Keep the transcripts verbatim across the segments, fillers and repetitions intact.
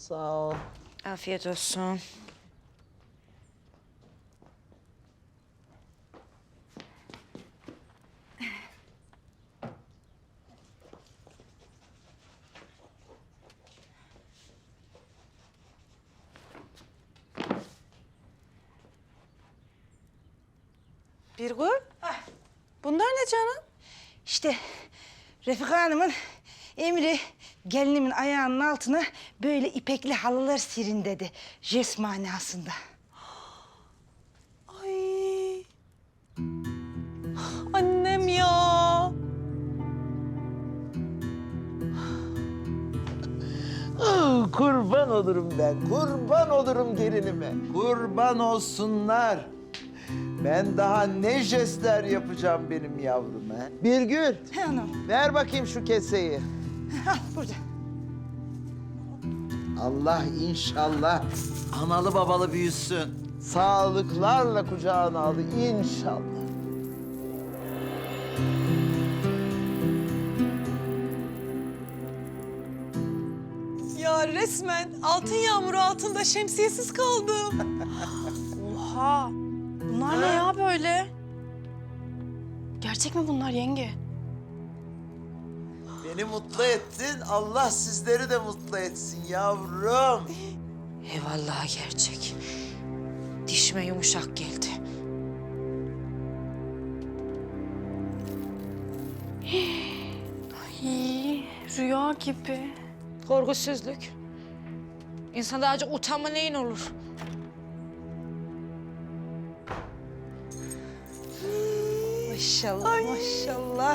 Sağ ol. Afiyet olsun. Birgül, bunlar ne canım? İşte Refika Hanım'ın emri gelinimin ayağının altına böyle ipekli halılar serin dedi. Jest manasında. Ay. Annem ya. Ah, kurban olurum ben, kurban olurum gelinime. Kurban olsunlar. Ben daha ne jestler yapacağım benim yavruma. Birgül, He anam. ver bakayım şu keseyi. Al burada. Allah inşallah analı babalı büyüsün. Sağlıklarla kucağına al inşallah. Ya resmen altın yağmuru altında şemsiyesiz kaldım. Oha! Bunlar ne ya böyle? Gerçek mi bunlar yenge? Beni mutlu ettin, Allah sizleri de mutlu etsin yavrum. Eyvallah gerçek. Dişime yumuşak geldi. İyi, rüya gibi. Korkusuzluk. İnsanda acık utanma neyin olur? Maşallah, maşallah.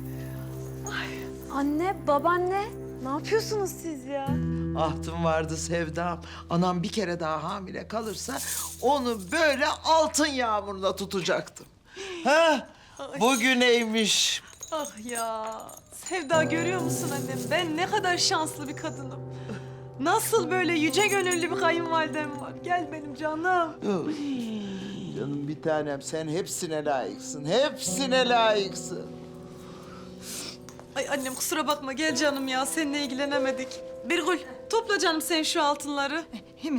Anne, babaanne, ne yapıyorsunuz siz ya? Ahtım vardı Sevdam. Anam bir kere daha hamile kalırsa onu böyle altın yağmurla tutacaktım. Ha? Bugüneymiş. Ah ya. Sevda görüyor musun annem? Ben ne kadar şanslı bir kadınım. Nasıl böyle yüce gönüllü bir kayınvalidem var. Gel benim canım. Canım bir tanem sen hepsine layıksın. Hepsine layıksın. Ay annem kusura bakma gel canım ya seninle ilgilenemedik. Birgül topla canım sen şu altınları. Hemen.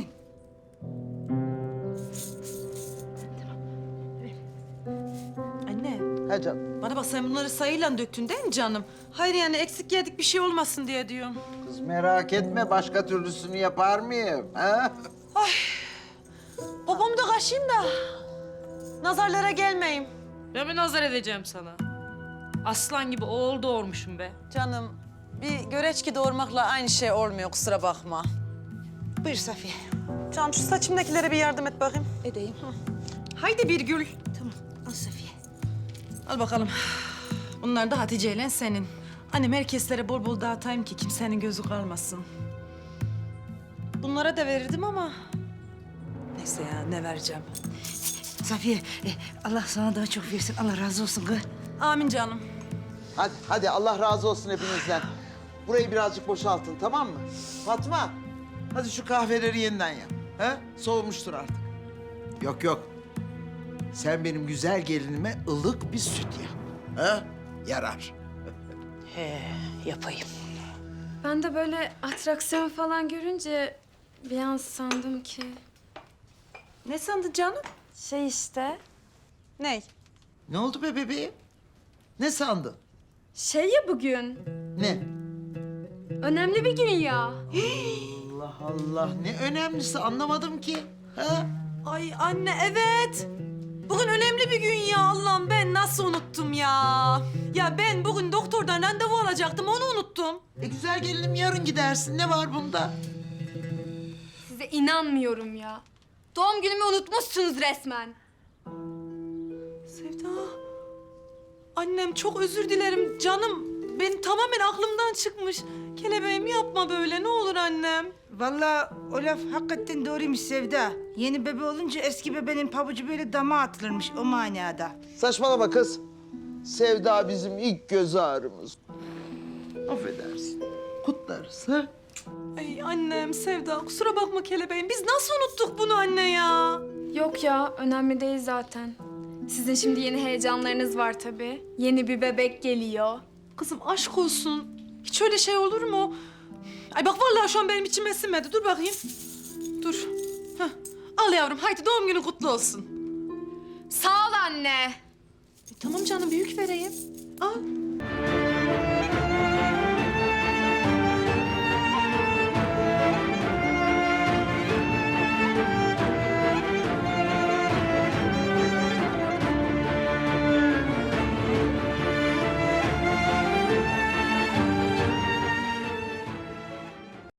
Anne Ha canım. bana bak sen bunları sayıyla döktün değil mi canım? Hayır yani eksik yedik bir şey olmasın diye diyorum. Kız merak etme başka türlüsünü yapar mıyım? Ha? Babamı da kaşıyım da nazarlara gelmeyeyim. Ben mi nazar edeceğim sana? Aslan gibi oğul doğurmuşum be. Canım bir göreçki doğurmakla aynı şey olmuyor kusura bakma. Buyur Safiye. Canım şu saçımdakilere bir yardım et bakayım. Edeyim. Haydi Birgül. Tamam, al Safiye. Al bakalım. Bunlar da Hatice ile senin. Annem herkeslere bol bol dağıtayım ki kimsenin gözü kalmasın. Bunlara da verirdim ama... Neyse ya ne vereceğim. Safiye, e, Allah sana daha çok versin. Allah razı olsun kız. Amin canım. Hadi hadi Allah razı olsun hepinizden. Burayı birazcık boşaltın tamam mı? Fatma hadi şu kahveleri yeniden yap. Ha? Soğumuştur artık. Yok yok. Sen benim güzel gelinime ılık bir süt yap. Ha? Yarar. He, yapayım. Ben de böyle atraksiyon falan görünce bir an sandım ki... Ne sandın canım? Şey işte, Ney? Ne oldu be bebeğim? Ne sandın? şey ya bugün, Ne? önemli bir gün ya. Allah Allah ne önemlisi anlamadım ki. Ha? Ay anne evet. Bugün önemli bir gün ya Allah'ım ben nasıl unuttum ya. Ya ben bugün doktordan randevu alacaktım onu unuttum. E güzel gelinim yarın gidersin. Ne var bunda? Size inanmıyorum ya. Doğum günümü unutmuşsunuz resmen. Sevda. Annem çok özür dilerim canım. Benim tamamen aklımdan çıkmış. Kelebeğim yapma böyle ne olur annem. Vallahi o laf hakikaten doğruymuş Sevda. Yeni bebe olunca eski bebenin pabucu böyle dama atılırmış o manada. Saçmalama kız. Sevda bizim ilk göz ağrımız. Affedersin. Kutlarız ha? Ay annem Sevda kusura bakma kelebeğim. Biz nasıl unuttuk bunu anne ya? Yok ya, önemli değil zaten. Sizin şimdi yeni heyecanlarınız var tabii. Yeni bir bebek geliyor. Kızım aşk olsun. Hiç öyle şey olur mu? Ay bak vallahi şu an benim içime sinmedi. Dur bakayım. Dur. Hah. Al yavrum haydi doğum günün kutlu olsun. Sağ ol anne. E, tamam canım büyük vereyim. Al.